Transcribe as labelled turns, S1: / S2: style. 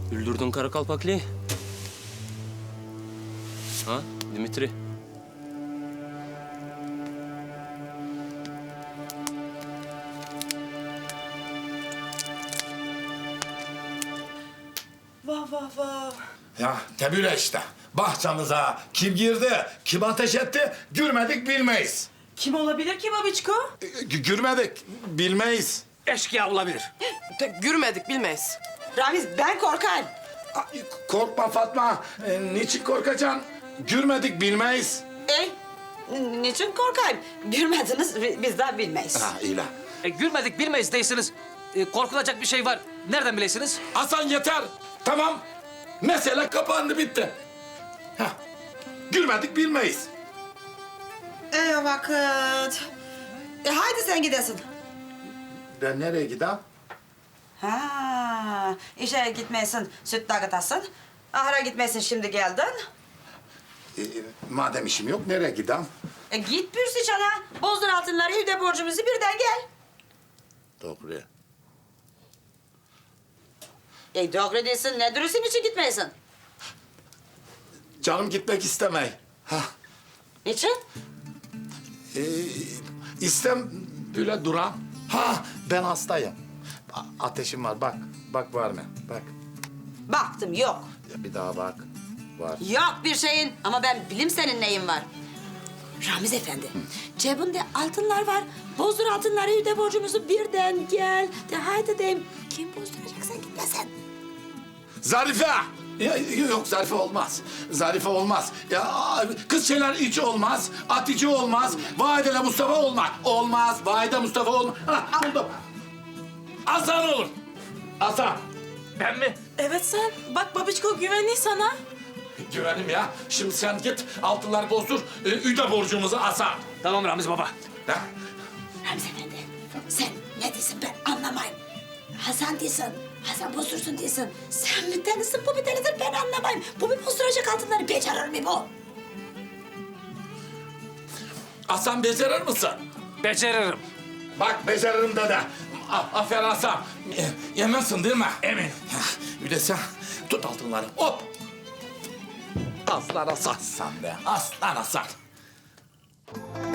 S1: Güldürdün Kara Kalpaklı'yı. Ha Dimitri?
S2: Vah vah vah.
S3: Ya tebüre işte. Bahçemize kim girdi, kim ateş etti görmedik bilmeyiz.
S2: Kim olabilir ki babiçko?
S3: Görmedik bilmeyiz.
S4: Eşkıya olabilir.
S5: Görmedik, bilmeyiz.
S2: Ramiz ben korkayım.
S3: Ay, korkma Fatma. Niçin korkacaksın? Görmedik bilmeyiz.
S2: Niçin korkayım? Görmediniz biz de bilmeyiz.
S3: Ha iyi la.
S4: Gülmedik bilmeyiz değilsiniz. Korkulacak bir şey var. Nereden bilesiniz?
S3: Hasan yeter. Tamam. Mesele kapandı bitti. Hah. Görmedik bilmeyiz.
S2: Vakit. Haydi sen gidesin.
S3: Ben nereye gideyim?
S2: Ha, işe gitmesin, süt dağıtasın. Ahıra gitmesin, şimdi geldin.
S3: Madem işim yok nereye gideyim?
S2: Git Pürsü Çan'a. Bozdur altınları, evde borcumuzu birden gel.
S3: Doğru.
S2: Doğru değilsin, ne dürüsün için gitmeyesin?
S3: Canım gitmek istemey. Ha.
S2: Niçin?
S3: İstem böyle duram. Ha ben hastayım. Ateşim var bak. Bak var mı? Bak.
S2: Baktım, yok.
S3: Ya bir daha bak. Var.
S2: Yok bir şeyin ama ben bilim senin neyin var. Ramiz Efendi, cebinde altınlar var. Bozdur altınları, evde borcumuzu birden gel. De haydi deyim. Kim bozduracaksan gitmesin.
S3: Zarife! Ya, yok Zarife olmaz. Zarife olmaz. Ya kız şeyler hiç olmaz. Hatice olmaz. Vahide Mustafa olmaz. Olmaz. Vahide Mustafa olmaz. Ha buldum. Hasan olur. Hasan.
S4: Ben mi?
S5: Evet sen. Bak babiçko güvenli sana.
S3: Güvenim ya. Şimdi sen git altınları bozdur. Üde borcumuzu Hasan.
S4: Tamam Ramiz baba.
S3: Ha?
S2: Ramiz Efendi, sen ne diyorsun ben anlamayayım. Hasan diyorsun, Hasan bozdursun diyorsun. Sen bir tanesin, bu bir tanedir ben anlamayayım. Bu bir bozduracak altınları becerir mi bu?
S3: Hasan becerir misin?
S4: Beceririm.
S3: Bak beceririm dede. Aferin Hasan. Eminsin değil mi?
S4: Emin.
S3: Bir de sen tut altınları. Hop. Aslan Hasan. Sen de aslan Hasan.